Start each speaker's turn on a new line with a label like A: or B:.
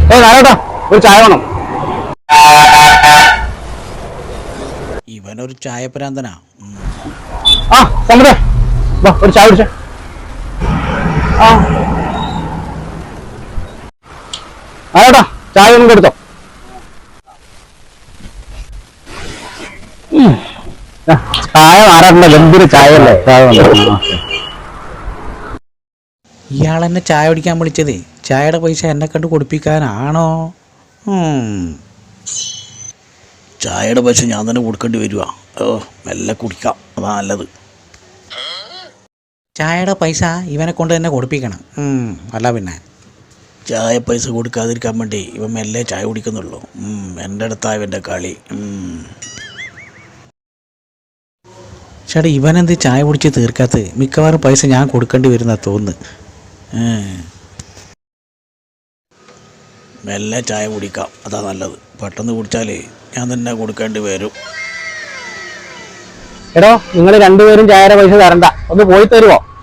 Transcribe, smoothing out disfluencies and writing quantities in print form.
A: നാരായണേട്ടാ ഒരു ചായ വേണം.
B: ഇവനൊരു ചായപ്രാന്തനാ.
A: ആ സമ്മതേ വാ ഒരു ചായ കുടിച്ചേ. ആ നാരായണേട്ടാ ചായ ഒന്നും കൊടുത്തോ. ചായ മാറാറുണ്ട്. എന്തൊരു ചായ അല്ലേ.
B: ഇയാളെന്നെ ചായ കുടിക്കാൻ വിളിച്ചതേ ചായയുടെ പൈസ എന്നെ കണ്ട് കൊടുപ്പിക്കാനാണോ? ചായയുടെ പൈസ ഞാൻ തന്നെ കൊടുക്കേണ്ടി വരുവാ. മെല്ലെ കുടിക്കാം, അതാ നല്ലത്. ചായയുടെ പൈസ ഇവനെ കൊണ്ട് തന്നെ കൊടുപ്പിക്കണം. അല്ല പിന്നെ ചായ പൈസ കൊടുക്കാതിരിക്കാൻ വേണ്ടി ഇവൻ മെല്ലെ ചായ കുടിക്കുന്നുള്ളൂ. എൻ്റെ അടുത്താ ഇവൻ്റെ കളി. ചേട്ടാ ഇവനെന്ത് ചായ കുടിച്ച് തീർക്കാത്ത? മിക്കവാറും പൈസ ഞാൻ കൊടുക്കേണ്ടി വരുന്ന തോന്നുന്നു. മെല്ലെ ചായ കുടിക്കാം, അതാ നല്ലത്. പെട്ടെന്ന് കുടിച്ചാൽ ഞാൻ തന്നെ കൊടുക്കേണ്ടി വരും.
A: എടോ നിങ്ങൾ രണ്ടുപേരും ചായയുടെ പൈസ തരണ്ട, ഒന്ന് പോയി തരുമോ?